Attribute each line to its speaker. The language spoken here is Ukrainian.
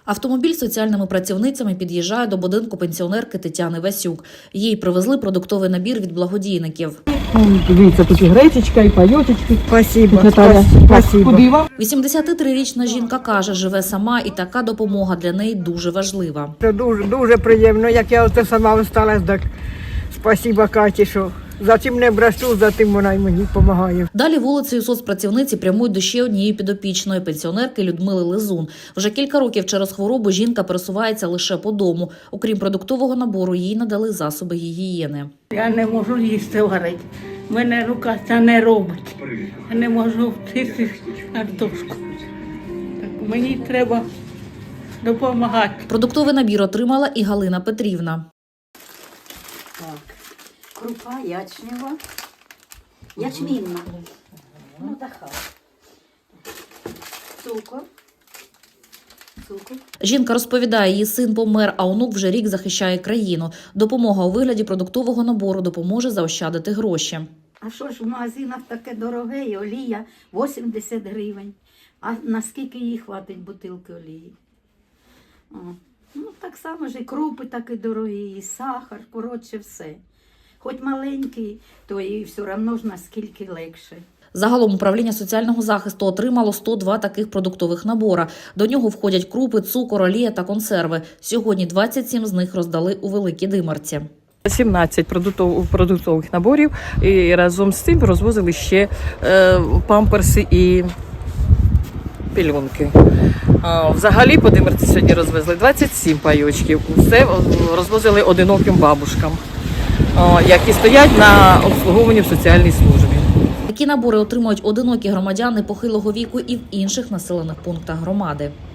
Speaker 1: Автомобіль з соціальними працівницями під'їжджає до будинку пенсіонерки Тетяни Васюк. Їй привезли продуктовий набір від благодійників.
Speaker 2: Дивіться, тут і гречечка, і пайотечки.
Speaker 3: Спасибо.
Speaker 1: 83-річна жінка каже, живе сама і така допомога для неї дуже важлива.
Speaker 3: Це дуже приємно, як я оце сама осталась, так спасибо Каті, що за чим не брешу, за тим вона й мені допомагає.
Speaker 1: Далі вулицею соцпрацівниці прямують до ще однієї підопічної пенсіонерки Людмили Лизун. Вже кілька років через хворобу жінка пересувається лише по дому. Окрім продуктового набору, їй надали засоби гігієни.
Speaker 4: Я не можу їсти варити. Мене рука це не робить. Я не можу вчити картошку. Так мені треба допомагати.
Speaker 1: Продуктовий набір отримала і Галина Петрівна.
Speaker 5: Так, крупа ячнева, ячмінна, ну така, цукор.
Speaker 1: Жінка розповідає, її син помер, а онук вже рік захищає країну. Допомога у вигляді продуктового набору допоможе заощадити гроші.
Speaker 5: А що ж в магазинах таке дороге, і олія 80 гривень. А наскільки їй хватить бутилки олії? О. Ну, так само ж і крупи такі дорогі, і сахар, коротше все. Хоч маленький, то і все одно ж наскільки легше.
Speaker 1: Загалом управління соціального захисту отримало 102 таких продуктових набора. До нього входять крупи, цукор, олія та консерви. Сьогодні 27 з них роздали у Великій Димарці.
Speaker 2: 17 продуктових наборів і разом з цим розвозили ще памперси і пільонки. Взагалі по Димарці сьогодні розвезли 27 пайочків. Все розвозили одиноким бабушкам, які стоять на обслуговуванні в соціальній службі.
Speaker 1: Такі набори отримують одинокі громадяни похилого віку і в інших населених пунктах громади.